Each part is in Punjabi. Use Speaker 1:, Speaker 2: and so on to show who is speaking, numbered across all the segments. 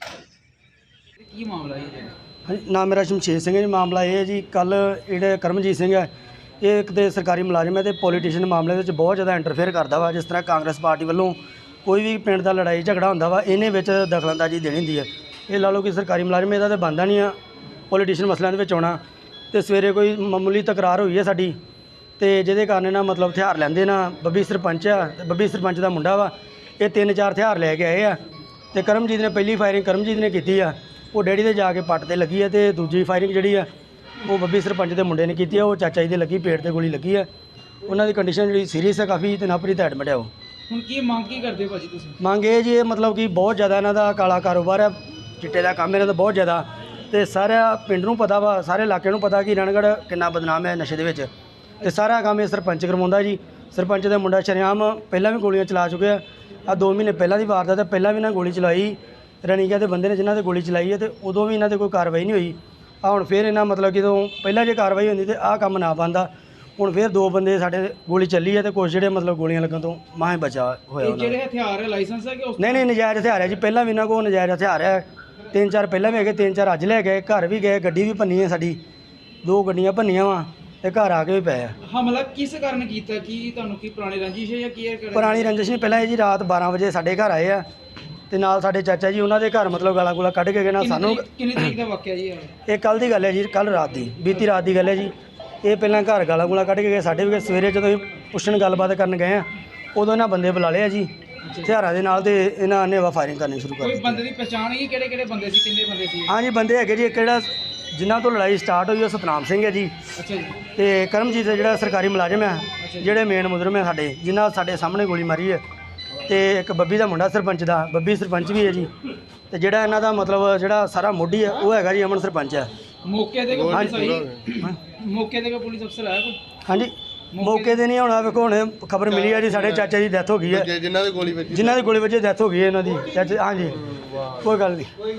Speaker 1: ਕੀ ਮਾਮਲਾ ਹੈ ਜੀ?
Speaker 2: ਹਾਂਜੀ, ਨਾਮ ਮੇਰਾ ਸ਼ਮਸ਼ੇਰ ਸਿੰਘ ਹੈ ਜੀ। ਮਾਮਲਾ ਇਹ ਹੈ ਜੀ, ਕੱਲ੍ਹ ਜਿਹੜੇ ਕਰਮਜੀਤ ਸਿੰਘ ਹੈ, ਇਹ ਇੱਕ ਤਾਂ ਸਰਕਾਰੀ ਮੁਲਾਜ਼ਮ ਹੈ ਅਤੇ ਪੋਲੀਟੀਸ਼ੀਅਨ ਮਾਮਲੇ ਵਿੱਚ ਬਹੁਤ ਜ਼ਿਆਦਾ ਇੰਟਰਫੇਅਰ ਕਰਦਾ ਵਾ। ਜਿਸ ਤਰ੍ਹਾਂ ਕਾਂਗਰਸ ਪਾਰਟੀ ਵੱਲੋਂ ਕੋਈ ਵੀ ਪਿੰਡ ਦਾ ਲੜਾਈ ਝਗੜਾ ਹੁੰਦਾ ਵਾ, ਇਹਨੇ ਵਿੱਚ ਦਖਲਅੰਦਾਜ਼ੀ ਦੇਣੀ ਹੁੰਦੀ ਹੈ। ਇਹ ਲਾ ਲਓ ਕਿ ਸਰਕਾਰੀ ਮੁਲਾਜ਼ਮ, ਇਹਦਾ ਤਾਂ ਬਣਦਾ ਨਹੀਂ ਆ ਪੋਲੀਟੀਸ਼ੀਅਨ ਮਸਲਿਆਂ ਦੇ ਵਿੱਚ ਆਉਣਾ। ਅਤੇ ਸਵੇਰੇ ਕੋਈ ਮਾਮੂਲੀ ਤਕਰਾਰ ਹੋਈ ਹੈ ਸਾਡੀ, ਅਤੇ ਜਿਹਦੇ ਕਾਰਨ ਨਾ ਮਤਲਬ ਹਥਿਆਰ ਲੈਂਦੇ ਨਾ। ਬੱਬੀ ਸਰਪੰਚ ਆ, ਬੱਬੀ ਸਰਪੰਚ ਦਾ ਮੁੰਡਾ ਵਾ, ਇਹ 3-4 ਹਥਿਆਰ ਲੈ ਕੇ ਆਏ ਆ। ਅਤੇ ਕਰਮਜੀਤ ਨੇ ਪਹਿਲੀ ਫਾਇਰਿੰਗ ਕਰਮਜੀਤ ਨੇ ਕੀਤੀ ਆ, ਉਹ ਡੈਡੀ ਦੇ ਜਾ ਕੇ ਪੱਟ 'ਤੇ ਲੱਗੀ ਹੈ। ਅਤੇ ਦੂਜੀ ਫਾਇਰਿੰਗ ਜਿਹੜੀ ਆ ਉਹ ਬੱਬੀ ਸਰਪੰਚ ਦੇ ਮੁੰਡੇ ਨੇ ਕੀਤੀ ਆ, ਉਹ ਚਾਚਾ ਜੀ ਦੇ ਲੱਗੀ, ਪੇਟ 'ਤੇ ਗੋਲੀ ਲੱਗੀ ਹੈ। ਉਹਨਾਂ ਦੀ ਕੰਡੀਸ਼ਨ ਜਿਹੜੀ ਸੀਰੀਅਸ ਹੈ ਕਾਫੀ, ਅਤੇ ਨਵਪ੍ਰੀਤ ਐਡਮਿਟ ਹੈ। ਉਹ
Speaker 1: ਹੁਣ ਕੀ ਮੰਗ ਕੀ ਕਰਦੇ ਭਾਜੀ ਤੁਸੀਂ?
Speaker 2: ਮੰਗ ਇਹ ਜੀ, ਇਹ ਮਤਲਬ ਕਿ ਬਹੁਤ ਜ਼ਿਆਦਾ ਇਹਨਾਂ ਦਾ ਕਾਲਾ ਕਾਰੋਬਾਰ ਹੈ, ਚਿੱਟੇ ਦਾ ਕੰਮ ਇਹਨਾਂ ਦਾ ਬਹੁਤ ਜ਼ਿਆਦਾ। ਅਤੇ ਸਾਰਾ ਪਿੰਡ ਨੂੰ ਪਤਾ ਵਾ, ਸਾਰੇ ਇਲਾਕੇ ਨੂੰ ਪਤਾ ਕਿ ਰਣਗੜ੍ਹ ਕਿੰਨਾ ਬਦਨਾਮ ਹੈ ਨਸ਼ੇ ਦੇ ਵਿੱਚ। ਅਤੇ ਸਾਰਾ ਕੰਮ ਇਹ ਸਰਪੰਚ ਕਰਵਾਉਂਦਾ ਜੀ। ਸਰਪੰਚ ਦਾ ਮੁੰਡਾ ਸ਼ਰੇਆਮ ਪਹਿਲਾਂ ਵੀ ਗੋਲੀਆਂ ਚਲਾ ਚੁੱਕਿਆ। ਆ 2 ਮਹੀਨੇ ਪਹਿਲਾਂ ਦੀ ਵਾਰਦਾਤ ਹੈ, ਪਹਿਲਾਂ ਵੀ ਇਹਨਾਂ ਗੋਲੀ ਚਲਾਈ ਰਣੀਕਾ ਦੇ ਬੰਦੇ ਨੇ ਜਿਨ੍ਹਾਂ 'ਤੇ ਗੋਲੀ ਚਲਾਈ ਹੈ, ਅਤੇ ਉਦੋਂ ਵੀ ਇਹਨਾਂ 'ਤੇ ਕੋਈ ਕਾਰਵਾਈ ਨਹੀਂ ਹੋਈ। ਆ ਹੁਣ ਫਿਰ ਇਹਨਾਂ ਮਤਲਬ ਕਿ ਜਦੋਂ ਪਹਿਲਾਂ ਜੇ ਕਾਰਵਾਈ ਹੁੰਦੀ ਤਾਂ ਆਹ ਕੰਮ ਨਾ ਬਣਦਾ। ਹੁਣ ਫਿਰ 2 ਬੰਦੇ ਸਾਡੇ ਗੋਲੀ ਚੱਲੀ ਹੈ, ਅਤੇ ਕੁਛ ਜਿਹੜੇ ਮਤਲਬ ਗੋਲੀਆਂ ਲੱਗਣ ਤੋਂ ਮਾਹੇ ਬਚਾ ਹੋਇਆ।
Speaker 1: ਇਹ ਜਿਹੜੇ ਹਥਿਆਰ ਹੈ ਲਾਇਸੈਂਸ ਹੈ ਕਿ ਉਸ
Speaker 2: ਨਹੀਂ ਨਜਾਇਜ਼ ਹਥਿਆਰ ਹੈ ਜੀ। ਪਹਿਲਾਂ ਵੀ ਇਹਨਾਂ ਕੋਲ ਨਜਾਇਜ਼ ਹਥਿਆਰ ਹੈ, 3-4 ਪਹਿਲਾਂ ਵੀ ਹੈਗੇ, 3-4 ਅੱਜ ਲੈ ਗਏ, ਘਰ ਵੀ ਗਏ, ਗੱਡੀ ਵੀ ਭੰਨੀ ਹੈ ਸਾਡੀ, 2 ਗੱਡੀਆਂ ਭੰਨੀਆਂ ਵਾ, ਅਤੇ ਘਰ ਆ ਕੇ ਵੀ ਪਏ ਆ।
Speaker 1: ਹਮਲਾ ਕਿਸ ਕਾਰਨ ਕੀਤਾ? ਕੀ ਤੁਹਾਨੂੰ ਕੀ ਪੁਰਾਣੀ ਰੰਜਿਸ਼ ਹੈ ਜਾਂ ਕੀ ਹੈ?
Speaker 2: ਪੁਰਾਣੀ ਰੰਜਿਸ਼ ਨਹੀਂ, ਪਹਿਲਾਂ ਇਹ ਜੀ ਰਾਤ 12 ਵਜੇ ਸਾਡੇ ਘਰ ਆਏ ਆ, ਅਤੇ ਨਾਲ ਸਾਡੇ ਚਾਚਾ ਜੀ ਉਹਨਾਂ ਦੇ ਘਰ ਮਤਲਬ ਗਾਲਾਂ ਗੂਲਾ ਕੱਢ ਕੇ ਗਏ ਨਾ ਸਾਨੂੰ।
Speaker 1: ਕਿੰਨੀ ਤਰੀਕ ਦਾ ਵਾਕਿਆ ਜੀ?
Speaker 2: ਇਹ ਕੱਲ੍ਹ ਦੀ ਗੱਲ ਹੈ ਜੀ, ਕੱਲ੍ਹ ਰਾਤ ਦੀ, ਬੀਤੀ ਰਾਤ ਦੀ ਗੱਲ ਹੈ ਜੀ। ਇਹ ਪਹਿਲਾਂ ਘਰ ਗਾਲਾਂ ਗੂਲਾ ਕੱਢ ਕੇ ਗਏ, ਸਾਡੇ ਵੀ ਗਏ। ਸਵੇਰੇ ਜਦੋਂ ਅਸੀਂ ਪੁੱਛਣ ਗੱਲਬਾਤ ਕਰਨ ਗਏ ਆ, ਉਦੋਂ ਇਹਨਾਂ ਬੰਦੇ ਬੁਲਾ ਲਏ ਆ ਜੀ ਹਥਿਆਰਾਂ ਦੇ ਨਾਲ, ਅਤੇ ਇਹਨਾਂ ਨੇ ਫਾਇਰਿੰਗ ਕਰਨੀ ਸ਼ੁਰੂ ਕਰ
Speaker 1: ਕੋਈ
Speaker 2: ਦਿੱਤੀ।
Speaker 1: ਬੰਦੇ ਦੀ ਪਛਾਣ ਹੈ ਕਿਹੜੇ ਬੰਦੇ ਸੀ? ਕਿੰਨੇ ਬੰਦੇ ਸੀ?
Speaker 2: ਹਾਂਜੀ, ਬੰਦੇ ਹੈਗੇ ਜੀ। ਇੱਕ ਜਿਹੜਾ ਜਿਨ੍ਹਾਂ ਤੋਂ ਲੜਾਈ ਸਟਾਰਟ ਹੋਈ ਉਹ ਸਤਨਾਮ ਸਿੰਘ ਹੈ ਜੀ।
Speaker 1: ਅੱਛਾ ਜੀ।
Speaker 2: ਅਤੇ ਕਰਮਜੀਤ ਜਿਹੜਾ ਸਰਕਾਰੀ ਮੁਲਾਜ਼ਮ ਹੈ, ਜਿਹੜੇ ਮੇਨ ਮੁਜਰਮ ਹੈ ਸਾਡੇ, ਜਿਨ੍ਹਾਂ ਸਾਡੇ ਸਾਹਮਣੇ ਗੋਲੀ ਮਾਰੀ ਹੈ। ਅਤੇ ਇੱਕ ਬੱਬੀ ਦਾ ਮੁੰਡਾ ਸਰਪੰਚ ਦਾ, ਬੱਬੀ ਸਰਪੰਚ ਵੀ ਹੈ ਜੀ। ਅਤੇ ਜਿਹੜਾ ਇਹਨਾਂ ਦਾ ਮਤਲਬ ਜਿਹੜਾ ਸਾਰਾ ਮੋਢੀ ਹੈ ਉਹ ਹੈਗਾ ਜੀ ਅਮਨ ਸਰਪੰਚ ਹੈ।
Speaker 1: ਮੌਕੇ ਤੇ ਕੋਈ ਪੁਲਿਸ ਆਈ? ਮੌਕੇ ਤੇ ਕੋਈ ਪੁਲਿਸ ਅਫਸਰ ਆਇਆ ਕੋਈ?
Speaker 2: ਹਾਂਜੀ, ਮੌਕੇ ਤੇ ਨਹੀਂ ਆਉਣਾ। ਵੇਖੋ ਹੁਣ ਖਬਰ ਮਿਲੀ ਹੈ ਜੀ, ਸਾਡੇ ਚਾਚਾ ਦੀ ਡੈਥ ਹੋ ਗਈ ਹੈ, ਜਿਨ੍ਹਾਂ ਦੀ ਗੋਲੀ ਵੱਜੀ ਡੈਥ ਹੋ ਗਈ ਹੈ ਇਹਨਾਂ ਦੀ ਚਾਚਾ। ਹਾਂਜੀ, ਕੋਈ ਗੱਲ ਨਹੀਂ।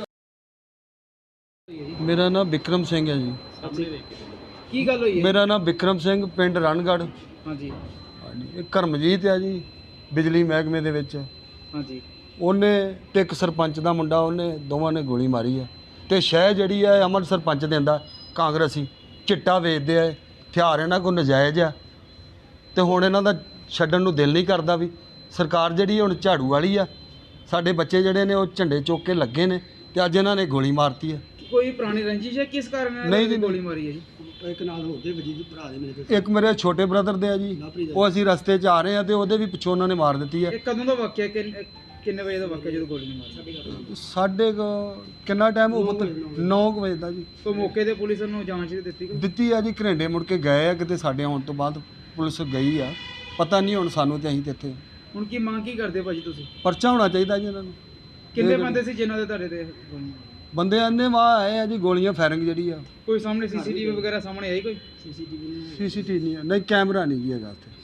Speaker 3: ਮੇਰਾ ਨਾਮ ਵਿਕਰਮ ਸਿੰਘ ਹੈ ਜੀ।
Speaker 1: ਕੀ ਗੱਲ ਹੋਈ ਹੈ?
Speaker 3: ਮੇਰਾ ਨਾਮ ਵਿਕਰਮ ਸਿੰਘ, ਪਿੰਡ ਰਣਗੜ੍ਹ।
Speaker 1: ਹਾਂਜੀ
Speaker 3: ਹਾਂਜੀ, ਇਹ ਕਰਮਜੀਤ ਹੈ ਜੀ, ਬਿਜਲੀ ਮਹਿਕਮੇ ਦੇ ਵਿੱਚ।
Speaker 1: ਹਾਂਜੀ।
Speaker 3: ਉਹਨੇ ਤੇ ਇੱਕ ਸਰਪੰਚ ਦਾ ਮੁੰਡਾ, ਉਹਨੇ ਦੋਵਾਂ ਨੇ ਗੋਲੀ ਮਾਰੀ ਹੈ। ਅਤੇ ਸ਼ਹਿ ਜਿਹੜੀ ਹੈ ਅਮਨ ਸਰਪੰਚ ਦਿੰਦਾ, ਕਾਂਗਰਸੀ ਚਿੱਟਾ ਵੇਚਦੇ ਆ, ਹਥਿਆਰ ਇਹਨਾਂ ਕੋਲ ਨਜਾਇਜ਼ ਆ। ਅਤੇ ਹੁਣ ਇਹਨਾਂ ਦਾ ਛੱਡਣ ਨੂੰ ਦਿਲ ਨਹੀਂ ਕਰਦਾ ਵੀ। ਸਰਕਾਰ ਜਿਹੜੀ ਹੁਣ ਝਾੜੂ ਵਾਲੀ ਆ, ਸਾਡੇ ਬੱਚੇ ਜਿਹੜੇ ਨੇ ਉਹ ਝੰਡੇ ਚੁੱਕ ਕੇ ਲੱਗੇ ਨੇ, ਅਤੇ ਅੱਜ ਇਹਨਾਂ ਨੇ ਗੋਲੀ ਮਾਰਤੀ ਹੈ।
Speaker 1: ਕੋਈ ਪੁਰਾਣੀ ਰੰਜਿਸ਼ ਹੈ? ਕਿਸ ਕਾਰਨ
Speaker 3: ਨਹੀਂ ਜੀ,
Speaker 1: ਗੋਲੀ ਮਾਰੀ ਹੈ ਜੀ?
Speaker 2: ਇੱਕ ਨਾਲ ਹੋਰ ਦੇ ਵਜੀ ਭਰਾ ਦੇ ਮੇਰੇ,
Speaker 3: ਇੱਕ ਮੇਰੇ ਛੋਟੇ ਬ੍ਰਦਰ ਦੇ ਆ ਜੀ, ਉਹ ਅਸੀਂ ਰਸਤੇ 'ਚ ਆ ਰਹੇ ਹਾਂ ਅਤੇ ਉਹਦੇ ਵੀ ਪਿੱਛੋਂ ਉਹਨਾਂ ਨੇ ਮਾਰ ਦਿੱਤੀ ਹੈ।
Speaker 1: ਇਹ ਕਦੋਂ ਦਾ ਵਾਕਿਆ? ਕਿੰਨੇ ਵਜੇ ਦਾ ਵਾਕਿਆ ਜਦੋਂ ਗੋਲੀ ਮਾਰੀ?
Speaker 3: ਸਾਡੇ ਕਿੰਨਾ ਟਾਈਮ ਹੋ ਪੁੱਤ? 9 ਵਜੇ ਦਾ ਜੀ।
Speaker 1: ਤੋਂ ਮੌਕੇ ਤੇ ਪੁਲਿਸ ਨੂੰ ਜਾਂਚ ਦਿੱਤੀ
Speaker 3: ਆ ਜੀ। ਘਰੇਂਡੇ ਮੁੜ ਕੇ ਗਏ ਆ, ਕਿਤੇ ਸਾਡੇ ਆਉਣ ਤੋਂ ਬਾਅਦ ਪੁਲਿਸ ਗਈ ਆ, ਪਤਾ ਨਹੀਂ ਹੁਣ ਸਾਨੂੰ, ਤੇ ਅਸੀਂ ਤੇ ਇੱਥੇ।
Speaker 1: ਹੁਣ ਕੀ ਮੰਗ ਕੀ ਕਰਦੇ ਭਾਜੀ ਤੁਸੀਂ?
Speaker 3: ਪਰਚਾ ਹੋਣਾ ਚਾਹੀਦਾ ਜੀ ਇਹਨਾਂ ਨੂੰ।
Speaker 1: ਕਿੰਨੇ ਬੰਦੇ ਸੀ ਜਿਨ੍ਹਾਂ ਦੇ ਤੁਹਾਡੇ ਤੇ
Speaker 3: ਬੰਦੇ ਆਨੇ ਵਾਹ ਆਏ ਆ ਜੀ, ਗੋਲੀਆਂ ਫਾਇਰਿੰਗ ਜਿਹੜੀ ਆ।
Speaker 1: ਕੋਈ ਸਾਹਮਣੇ ਸੀਸੀਟੀਵੀ ਵਗੈਰਾ ਸਾਹਮਣੇ ਆਈ? ਕੋਈ
Speaker 3: ਸੀਸੀਟੀਵੀ ਨਹੀਂ, ਨਹੀਂ ਕੈਮਰਾ ਨਹੀਂ ਜੀ ਹੈਗਾ ਉੱਥੇ।